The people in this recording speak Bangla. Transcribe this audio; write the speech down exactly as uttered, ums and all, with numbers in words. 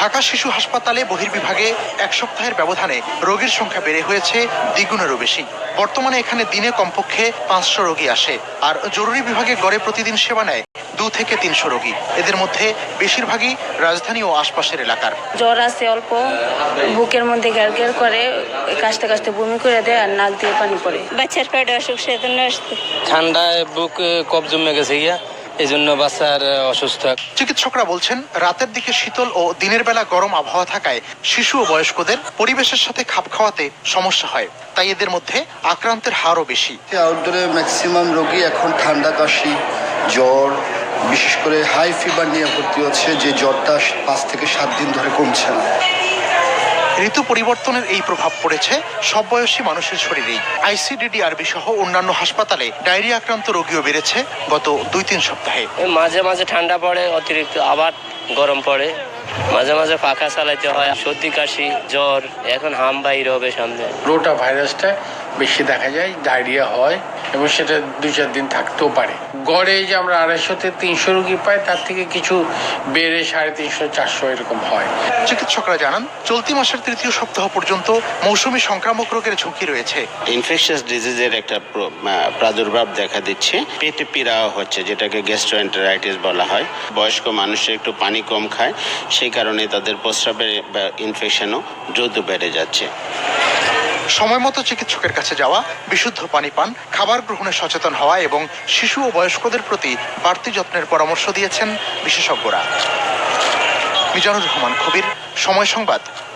ঢাকা শিশু হাসপাতালে বহির্বিভাগে এক সপ্তাহের ব্যবধানে রোগীর সংখ্যা বেড়ে হয়েছে দ্বিগুণেরও বেশি। বর্তমানে এখানে দিনে কমপক্ষে পাঁচশো রোগী আসে, আর জরুরি বিভাগে গড়ে প্রতিদিন সেবা নেয় দু থেকে তিনশো রোগী। এদের মধ্যে বেশিরভাগই রাজধানী ও আশপাশের এলাকার। জ্বর আছে অল্প, বুকের মধ্যে গ্যার গ্যার করে, কাশতে কাশতে বমি করে দেয় আর নাক দিয়ে পানি পড়ে। বাচ্চার পেটে অসুখ, সেজন্য আসছে। ঠান্ডায় বুক কফ জমে গেছে গিয়া, এই জন্য বাচ্চার অসুস্থ। চিকিৎসকরা বলছেন, রাতের দিকে শীতল ও দিনের বেলা গরম আবহাওয়া থাকায় শিশু ও বয়স্কদের পরিবেশের সাথে খাপ খাওয়াতে সমস্যা হয়, তাই এদের মধ্যে আক্রান্তের হারও বেশি। আউটডোরে ম্যাক্সিমাম রোগী এখন ঠান্ডা, কাশি, জ্বর, বিশেষ করে হাই ফিভার নিয়ে ভর্তি হচ্ছে, যে জ্বরটা পাঁচ থেকে সাত দিন ধরে কমছে না। ঋতু পরিবর্তনের এই প্রভাব পড়েছে সব বয়সী মানুষের শরীরেই। আইসিডিডিআরবি সহ অন্যান্য হাসপাতালে ডায়রিয়া আক্রান্ত রোগীও বেড়েছে গত দুই তিন সপ্তাহে। মাঝে মাঝে ঠান্ডা পড়ে অতিরিক্ত, আবার গরম পড়ে, মাঝে মাঝে পাখা চালাইতে হয়, সর্দি কাশি জ্বর, এখন হাম বাইর হবে সামনে। রোটা ভাইরাসটা বেশি দেখা যায়, ডায়রিয়া হয় এবং সেটা দুই চার দিন থাকতেও পারে। গড়ে যে আমরা আড়াইশো থেকে তিনশো রোগী পাই, তার থেকে কিছু বেড়ে সাড়ে তিনশো চারশো এরকম হয়। চিকিৎসকরা জানান, চলতি মাসের তৃতীয় সপ্তাহ পর্যন্ত মৌসুমী সংক্রামক রোগের ঝুঁকি রয়েছে। ইনফেকশাস ডিজিজের একটা প্রাদুর্ভাব দেখা দিচ্ছে, পেটে পীড়া হচ্ছে, যেটাকে গ্যাস্ট্রোএন্টেরাইটিস বলা হয়। বয়স্ক মানুষের একটু পানি কম খায়, সেই কারণে তাদের প্রস্রাবের ইনফেকশনও দ্রুত বেড়ে যাচ্ছে। সময় মতো চিকিৎসকের কাছে যাওয়া, বিশুদ্ধ পানি পান, খাবার গ্রহণে সচেতন হওয়া এবং শিশু ও বয়স্কদের প্রতি বাড়তি যত্নের পরামর্শ দিয়েছেন বিশেষজ্ঞরা। মিজানুর রহমান, খবির, সময় সংবাদ,